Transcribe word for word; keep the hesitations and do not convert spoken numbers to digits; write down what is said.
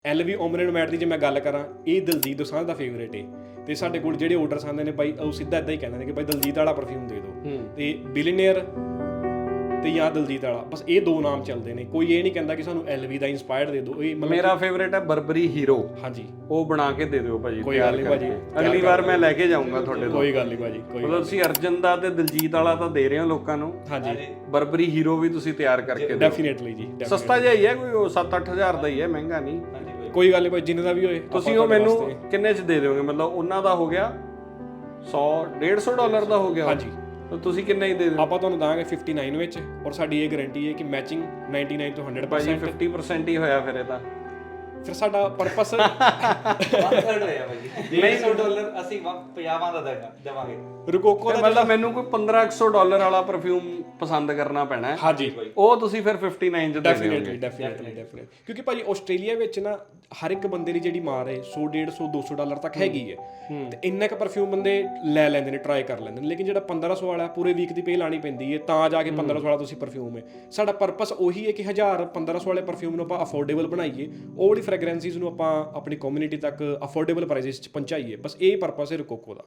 LV ਓਮਰੇਨ mat ਦੀ ਜੇ ਮੈਂ ਗੱਲ ਕਰਾਂ, ਇਹ ਦਲਜੀਤ ਦੋਸਾਂਝ ਦਾ ਫੇਵਰੇਟ ਹੈ। ਤੇ ਸਾਡੇ ਕੋਲ ਜਿਹੜੇ ਆਰਡਰਸ ਆਉਂਦੇ ਨੇ ਬਾਈ, ਉਹ ਸਿੱਧਾ ਇਦਾਂ ਹੀ ਕਹਿੰਦੇ ਨੇ ਕਿ ਬਾਈ ਦਲਜੀਤ ਵਾਲਾ ਪਰਫਿਊਮ ਦੇ ਦਿਓ। ਤੇ ਬਿਲੀਨੀਅਰ ਤੇ ਜਾਂ ਦਲਜੀਤ ਵਾਲਾ, ਬਸ ਇਹ ਦੋ ਨਾਮ ਚੱਲਦੇ ਨੇ। ਕੋਈ ਇਹ ਨਹੀਂ ਕਹਿੰਦਾ ਕਿ ਸਾਨੂੰ ਐਲਵੀ ਦਾ ਇੰਸਪਾਇਰਡ ਦੇ ਦਿਓ। ਇਹ ਮੇਰਾ ਫੇਵਰੇਟ ਹੈ ਬਰਬਰੀ ਹੀਰੋ। ਹਾਂਜੀ, ਉਹ ਬਣਾ ਕੇ ਦੇ ਦਿਓ ਭਾਜੀ। ਕੋਈ ਗੱਲ ਨਹੀਂ ਭਾਜੀ, ਅਗਲੀ ਵਾਰ ਮੈਂ ਲੈ ਕੇ ਜਾਊਂਗਾ ਤੁਹਾਡੇ ਤੋਂ। ਕੋਈ ਗੱਲ ਨਹੀਂ ਭਾਜੀ, ਕੋਈ ਮਤਲਬ ਤੁਸੀਂ ਅਰਜਨ ਦਾ ਤੇ ਦਲਜੀਤ ਵਾਲਾ ਤਾਂ ਦੇ ਰਹੇ ਹੋ ਲੋਕਾਂ ਨੂੰ। ਹਾਂਜੀ, ਬਰਬਰੀ ਹੀਰੋ ਵੀ ਤੁਸੀਂ ਤਿਆਰ ਕਰਕੇ ਦਿਓ। ਡੈਫੀਨੇਟਲੀ ਜੀ। ਸਸਤਾ ਜਿਹਾ ਹੀ ਹੈ, ਕੋਈ ਸੱਤ ਅੱਠ ਹਜ਼ਾਰ ਦਾ ਹੀ ਹੈ, ਮਹਿੰਗਾ ਨਹੀਂ। ਕੋਈ ਗੱਲ ਨਹੀਂ ਭਾਈ, ਜਿੰਨੇ ਦਾ ਵੀ ਹੋਏ। ਤੁਸੀਂ ਉਹ ਮੈਨੂੰ ਕਿੰਨੇ ਚ ਦੇ ਦਿਓਗੇ? ਮਤਲਬ ਉਹਨਾਂ ਦਾ ਹੋ ਗਿਆ ਸੌ ਡੇਢ ਸੌ ਡਾਲਰ ਦਾ ਹੋ ਗਿਆ। ਹਾਂਜੀ, ਤੁਸੀਂ ਕਿੰਨੇ ਹੀ ਦੇ ਦਿਓ? ਆਪਾਂ ਤੁਹਾਨੂੰ ਦਾਂਗੇ ਉਨਸਠ ਵਿੱਚ, ਔਰ ਸਾਡੀ ਇਹ ਗਾਰੰਟੀ ਹੈ ਕਿ ਮੈਚਿੰਗ ਨਿਨਆਨਵੇ ਤੋਂ ਹੰਡਰਡ ਭਾਜੀ ਪਰਸੈਂਟ। ਫਿਫਟੀ ਪਰਸੈਂਟ ਹੀ ਹੋਇਆ ਫਿਰ ਇਹ ਤਾਂ। ਫਿਰ ਸਾਡਾ ਪਰਪਸ ਹੋਇਆ ਭਾਜੀ। ਨਹੀਂ ਸੌ ਡਾਲਰ ਅਸੀਂ ਪੰਜਾਹਾਂ ਦਾ ਦੇਵਾਂਗੇ। ਰੁਕੋਕੋ ਦਾ ਮਤਲਬ ਮੈਨੂੰ ਕੋਈ ਪੰਦਰਾਂ ਸੌ ਡਾਲਰ ਵਾਲਾ ਪਰਫਿਊਮ ਪਸੰਦ ਕਰਨਾ ਪੈਣਾ ਹੈ। ਹਾਂਜੀ, ਉਹ ਤੁਸੀਂ ਫਿਰ ਉਨਸਠ ਚ ਦੇ ਦਿਓਗੇ। ਡੈਫੀਨੇਟਲੀ ਡੈਫੀਨੇਟਲੀ ਡੈਫੀਨੇਟਲੀ ਕਿਉਂਕਿ ਭਾਜੀ ਆਸਟ੍ਰੇਲੀਆ ਵਿੱਚ ਨਾ ਹਰ ਇੱਕ ਬੰਦੇ ਦੀ ਜਿਹੜੀ ਮਾਰ ਹੈ ਸੌ ਡੇਢ ਸੌ ਦੋ ਸੌ ਡਾਲਰ ਤੱਕ ਹੈਗੀ ਹੈ। ਤੇ ਇੰਨਾ ਕੁ ਪਰਫਿਊਮ ਬੰਦੇ ਲੈ ਲੈਂਦੇ ਨੇ, ਟਰਾਈ ਕਰ ਲੈਂਦੇ ਨੇ। ਲੇਕਿਨ ਜਿਹੜਾ ਪੰਦਰਾਂ ਸੌ ਵਾਲਾ ਪੂਰੇ ਵੀਕ ਦੀ ਪੇ ਲਾਣੀ ਪੈਂਦੀ ਹੈ, ਤਾਂ ਜਾ ਕੇ ਪੰਦਰਾਂ ਸੌ ਵਾਲਾ ਤੁਸੀਂ ਪਰਫਿਊਮ ਹੈ। ਸਾਡਾ ਪਰਪਸ ਉਹੀ ਹੈ ਕਿ ਹਜ਼ਾਰ ਪੰਦਰਾਂ ਸੌ ਵਾਲੇ ਪਰਫਿਊਮ ਨੂੰ ਆਪਾਂ ਅਫੋਰਡੇਬਲ ਬਣਾਈਏ, ਉਹ ਵਾਲੀ ਫ੍ਰੈਗਰੈਂਸਿਸ ਨੂੰ ਆਪਾਂ ਆਪਣੀ ਕਮਿਊਨਿਟੀ ਤੱਕ ਅਫੋਰਡੇਬਲ ਪ੍ਰਾਈਸਿਸ 'ਚ ਪਹੁੰਚਾਈਏ। ਬਸ ਇਹ ਪਰਪਸ ਹੈ ਰੁਕੋਕੋ ਦਾ।